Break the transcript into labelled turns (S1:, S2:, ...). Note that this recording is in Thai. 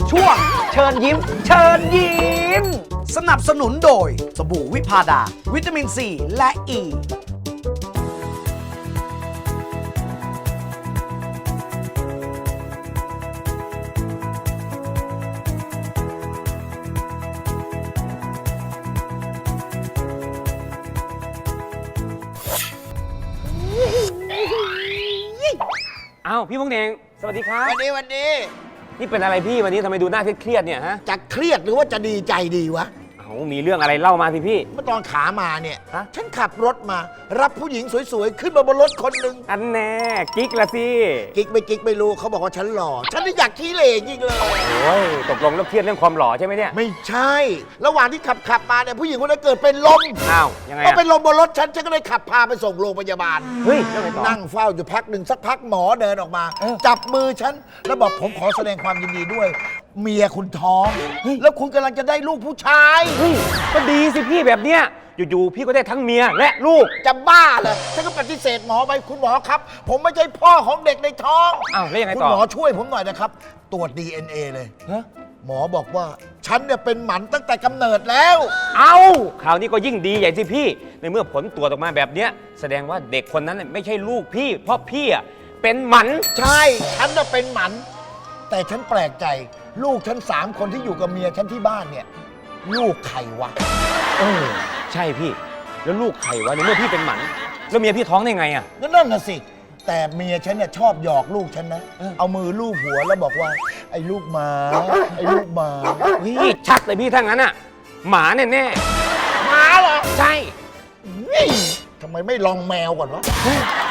S1: ช่วงเชิญยิ้ม เชิญยิ้ม สนับสนุนโดยสบู่วิพาดา วิตามินซีและอ e. ี
S2: อ้าวพี่พงษ์เน่งสวัสดีครับ
S3: วันนี้
S2: นี่เป็นอะไรพี่วันนี้ทำไมดูหน้าเครียดๆเนี่ยฮะ
S3: จะเครียดหรือว่าจะดีใจดีวะ
S2: เอามีเรื่องอะไรเล่ามาสิพี่
S3: เมื่อตอนขามาเนี่ย
S2: ฮะ
S3: ฉันขับรถมา รับผู้หญิงสวยๆ ขึ้นมาบนรถคนหนึ่ง
S2: อันแน่กิ๊กละสิ
S3: กิ๊กไม่รู้เขาบอกว่าฉันหล่อ ฉันนี่อยากขี้เหร่จริงเลย
S2: โอ้ยตกลงแล้วเครียดเรื่องความหล่อใช่ไหมเนี่ย
S3: ไม่ใช่ ระหว่างที่ขับมาเนี่ยผู้หญิงคนนั้นเกิดเป็นลม
S2: อ้าวยังไง
S3: พอ
S2: อะ
S3: เป็นลมบนรถฉันก็เลยขับพาไปส่งโรงพยาบาล
S2: เฮ้ยเรื่องอะไรต่อ
S3: นั่งเฝ้าอยู่พักหนึ่งสักพักหมอเดินออกมา
S2: เออ
S3: จับมือฉันแล้วบอกผมขอแสดงความยินดีด้วย เมียคุณท้อง แล้วคุณกำลังจะได้ลูกผู้ชาย
S2: เฮ้ยก็ดีสิพี่แบบเนี้ยอยู่ๆพี่ก็ได้ทั้งเมียและลูก
S3: จะบ้าเหรอฉันก็ปฏิเสธหมอไปคุณหมอครับ ผมไม่ใช่พ่อของเด็กในท้อง
S2: อ้าวแล้วยังไง
S3: คุณ
S2: ต่อ
S3: หมอช่วยผมหน่อยนะครับ ตรวจ DNA เลย
S2: ฮะ
S3: หมอบอกว่า ฉันเนี่ยเป็นหมันตั้งแต่กำเนิดแล้ว
S2: เอาคราวนี้ก็ยิ่งดีใหญ่สิพี่ ในเมื่อผลตรวจออกมาแบบเนี้ยแสดงว่าเด็กคนนั้นน่ะไม่ใช่ลูกพี่ เพราะพี่อะเป็นหมัน
S3: ใช่ ฉันน่ะเป็นหมัน แต่ฉันแปลกใจ ลูกฉัน3 คนที่อยู่กับเมียฉันที่บ้านเนี่ย ลูกใครวะ
S2: เออใช่พี่ แล้วลูกใครวะในเมื่อพี่เป็นหมันแล้วเมียพี่ท้องได้ไงอะ
S3: นั่นน่ะสิ แต่เมียฉันเนี่ยชอบหยอกลูกฉันนะ เอามือลูบหัวแล้วบอกว่า ไอ้ลูกหมา ไอ้ลูกหมา
S2: เฮ้ยชัดเลยพี่ถ้างั้นอะหมาแน่
S3: หมาเหรอ
S2: ๆใช่
S3: นี่ทำไมไม่ลองแมวก่อนวะ